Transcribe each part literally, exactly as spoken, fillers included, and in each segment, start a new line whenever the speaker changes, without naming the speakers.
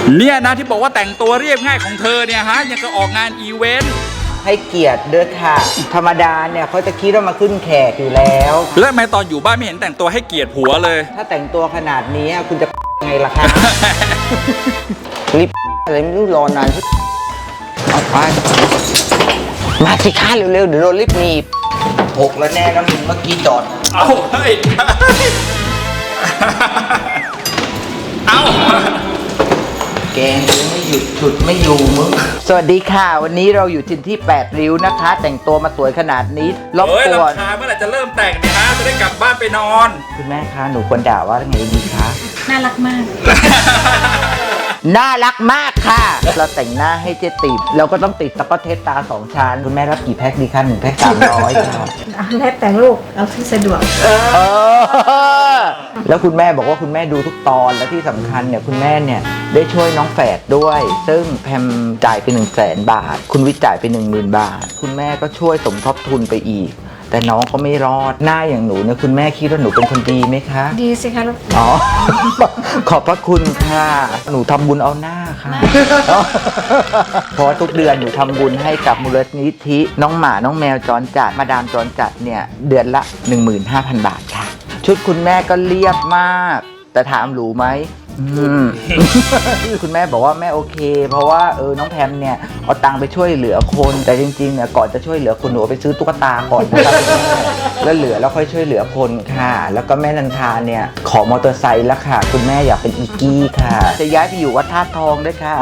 เนี่ยนะที่บอกว่าแต่งตัวเรียบง่ายของเธอเนี่ยฮะยังก็ออกงานอีเวนต์
ให้เกียรติด้วยค่ะธรรมดาเนี่ยเขาจะคิดว่ามาขึ้นแขกอยู่แล้ว
แล้วทำไมตอนอยู่บ้านไม่เห็นแต่งตัวให้เกียรติผัวเลย
ถ้าแต่งตัวขนาดนี้คุณจะไงล่ะคะรีบอะไรไม่รู้รอนานเอาไปมาสิคะเร็วๆเดี๋ยวโดนรีบหนีบหกแล้วแน่นะมึงเมื่อกี้จอด
เอาเฮ้ยเอา
แกงยังไม่หยุดฉุดไม่อยู่มึงสวัสดีค่ะวันนี้เราอยู่ที่ที่แปดริ้วนะคะแต่งตัวมาสวยขนาดนี้
รบกวนเมื่อไหร่จะเริ่มแต่งเนี่ยฮะจะได้กลับบ้านไปนอน
คุณแม่คะหนูควรด่าว่าไงดีคะ
น่ารักมาก
น่ารักมากค่ะเราแต่งหน้าให้เจ๊ติดเราก็ต้องติดตะก็เทสตาสองชั้นคุณแม่รับกี่แพ็คดีคะหนึ่งแพ็คสามร้อยค่ะ
แล้วแต่ลูกเอาที่สะดวก
เออแล้วคุณแม่บอกว่าคุณแม่ดูทุกตอนและที่สำคัญเนี่ยคุณแม่เนี่ยได้ช่วยน้องแฝดด้วยซึ่งแพมจ่ายไปหนึ่งแสนบาทคุณวิจ่ายไปหนึ่งหมื่นบาทคุณแม่ก็ช่วยสมทบทุนไปอีกแต่น้องก็ไม่รอดหน้าอย่างหนูเนี่ยคุณแม่คิดว่าหนูเป็นคนดีไหมคะ
ดีสิคะลูก
อ๋อขอบพระคุณค่ะหนูทำบุญเอาหน้าค่ะเพราะทุกเดือนหนูทำบุญให้กับมูลนิธิน้องหมาน้องแมวจรจัดมาดามจรจัดเนี่ยเดือนละ หนึ่งหมื่นห้าพัน บาทค่ะชุดคุณแม่ก็เรียบมากแต่ถามหรูไหมคุณแม่บอกว่าแม่โอเคเพราะว่าเออน้องแพมเนี่ยเอาตังค์ไปช่วยเหลือคนแต่จริงๆเนี่ยก่อนจะช่วยเหลือคนหนูไปซื้อตุ๊กตาก่อนนะครับแล้วเหลือแล้วค่อยช่วยเหลือคนค่ะแล้วก็แม่นันทาเนี่ยขอมอเตอร์ไซค์แล้วค่ะคุณแม่อยากเป็นอีกี้ค่ะจะย้ายไปอยู่วัดธาตุทองด้วยค่ะ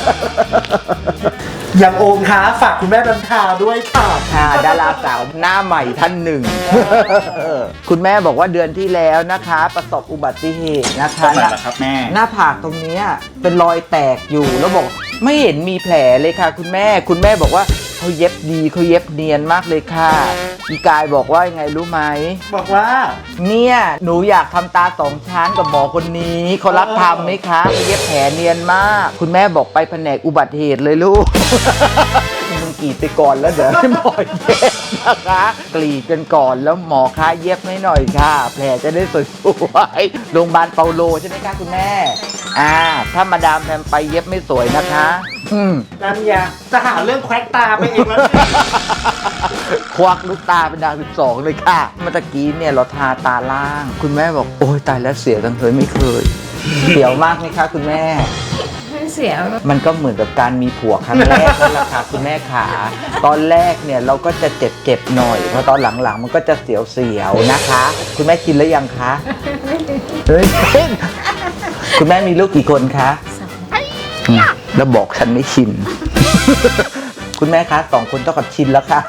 อย่างโอมคะฝากคุณแม่นันทาด้วยค่ะ
ค่ะดาราสาวหน้าใหม่ท่านหนึ่งคุณแม่บอกว่าเดือนที่แล้วนะคะประสบอุบัติเหตุนะคะ
นั่นแหละครับแม่
หน้าผากตรงนี้เป็นรอยแตกอยู่แล้วบอกไม่เห็นมีแผลเลยค่ะคุณแม่คุณแม่บอกว่าเขาเย็บดีเขาเย็บเนียนมากเลยค่ะอีกายบอกว่ายังไงรู้ไหม
บอกว่า
เนี่ยหนูอยากทำตาสองชั้นกับหมอคนนี้เขารับทำไหมคะเขาเย็บแผลเนียนมากคุณแม่บอกไปแผนกอุบัติเหตุเลยลูกมึงกรีดไปก่อนแล้วเดี๋ยวให้หมอเย็บนะคะกรีดกันก่อนแล้วหมอคะเย็บให้หน่อยค่ะแผลจะได้สวยๆโรงพยาบาลเปาโลใช่ไหมคะคุณแม่อ่าถ้ามาดามแพมไปเย็บไม่สวยนะคะ
นั่นอย่าจะหาเรื่องแควกตาไปเองแล้ว
ควักลูกตาเป็นดาวสิบสองเลยค่ะเมื่อกี้เนี่ยเราทาตาล่างคุณแม่บอกโอ้ยตายแล้วเสียจังเลยไม่เคยเสียวมากไหมคะคุณแม่
ไม่เสียว
มันก็เหมือนกับการมีผัวครั้งแรกนั่นแหละค่ะคุณแม่ขาตอนแรกเนี่ยเราก็จะเจ็บเจ็บหน่อยเพราะตอนหลังๆมันก็จะเสียวเสียวนะคะคุณแม่กินแล้วยังคะเฮ้ยคุณแม่มีลูกกี่คนคะแล้วบอกฉันไม่ชินคุณแม่คะสองคนเท่ากับชินแล้วค่ะ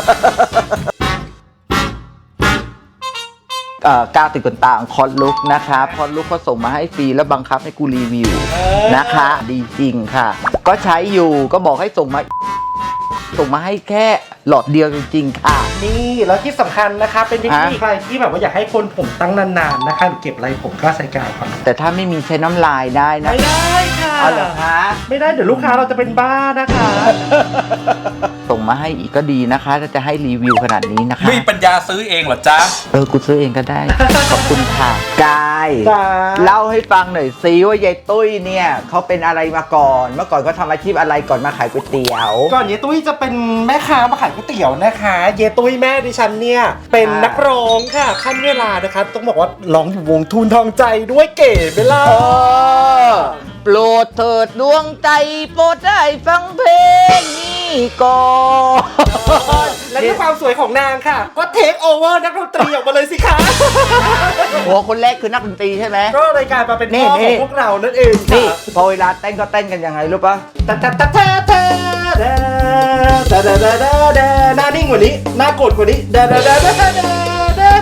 ก้าวติดขนตาของคอนลุกนะคะคอนลุกเขาส่งมาให้ฟรีแล้วบังคับให้กูรีวิวนะคะดีจริงค่ะก็ใช้อยู่ก็บอกให้ส่งมาส่งมาให้แค่หลอดเดียวจริงๆค่ะ
นี่แล้วที่สำคัญนะคะเป็นเทคนิคใครที่แบบว่าอยากให้คนผมตั้งนานๆนะคะเก็บอะไรผมก็ใส่กาวก่อน
แต่ถ้าไม่มีใช้น้ำลายได้นะ
ไม่ได้ค่ะ
เอาเหรอคะ
ไม่ได้เดี๋ยวลูกค้าเราจะเป็นบ้านะคะ
ส่งมาให้อีกก็ดีนะคะถ้าจะให้รีวิวขนาดนี้นะคะ
มีปัญญาซื้อเองเหรอจ๊ะ
เออกูซื้อเองก็ได้ขอบคุณค่ะกายเล่าให้ฟังหน่อยซิว่ายายตุ้ยเนี่ยเขาเป็นอะไรมาก่อนเมื่อก่อนเขาทำอาชีพอะไรก่อนมาขายก๋วยเตี๋ยว
ก่อนยายตุ้ยจะเป็นแม่ค้ามาขายก๋วยเตี๋ยวนะคะเยตุ้ยแม่ดิฉันเนี่ยเป็นนักร้องค่ะขั้นเวลานะคะต้องบอกว่าร้องอยู่วงทูนทองใจด้วยเก๋ไปล่ะ
โปรดเถิดดวงใจโปรดได้ฟังเพลงนี้ก่อน
และด้วยความสวยของนางค่ะก็เทคโอเวอร์นักดนตรีออกมาเลยสิคะ
หัวคนแรกคือนักดนตรีใช่ไหม
ก็รายการมาเป็นพ่อของพวกเรานั่นเอง
นี่พอเวลาเต้นก็เต้นกันยังไงรู้ปะ
ตะตะตะตะตะดาดาดาดาดาดาหน้านิ่งกว่านี้หน้าโกรธกว่านี้ดาดาดาดาดาดา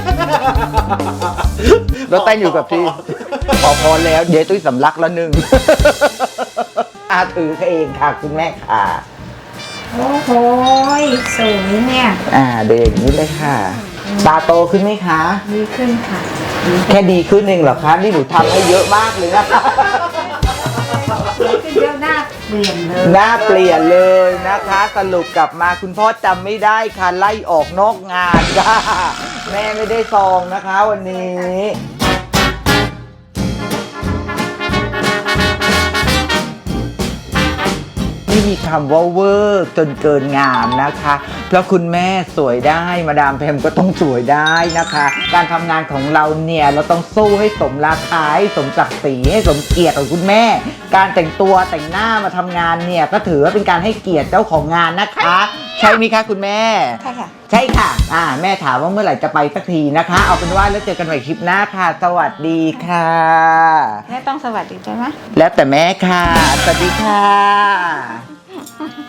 เราเต้นอยู่กับที่พอพอแล้วเดี๋ยวตุ้ยสำลักแล้วหนึ่งอาถือเองค่ะคุณแม่ค่ะ
โอ้โหสวยเนี่ย
อ่าเดี๋ยวอย่างนี้เลยค่ะตาโตขึ้นไหมคะ
ดีขึ้นค่ะ
แค่ดีขึ้นเองเหรอคะนี่หนูทำให้เยอะมากเลยนะคะ
สวยขึ้นเยอะหน้าเปลี่ยนเลย
หน้าเปลี่ยนเลยนะคะสรุปกลับมาคุณพ่อจำไม่ได้ค่ะไล่ออกนอกงานค่ะแม่ไม่ได้ซองนะคะวันนี้มีคำว่าเวอร์จนเกินงามนะคะ เพราะคุณแม่สวยได้มาดามแพมก็ต้องสวยได้นะคะ การทำงานของเราเนี่ยเราต้องสู้ให้สมราคาให้สมศักดิ์ศรีให้สมเกียรติของคุณแม่ การแต่งตัวแต่งหน้ามาทำงานเนี่ยก็ถือว่าเป็นการให้เกียรติเจ้าของงานนะคะ ใช่ไหมคะคุณแม่
ใช่ค่ะ
ใช่ค่ะ อ่า แม่ถามว่าเมื่อไหร่จะไปสักทีนะคะ เอาเป็นว่าแล้วเจอกันใหม่คลิปหน้าค่ะ สวัสดีค่ะ
แม่ต้องสวัสดีใช่ไหม
แล้วแต่แม่ค่ะ สวัสดีค่ะ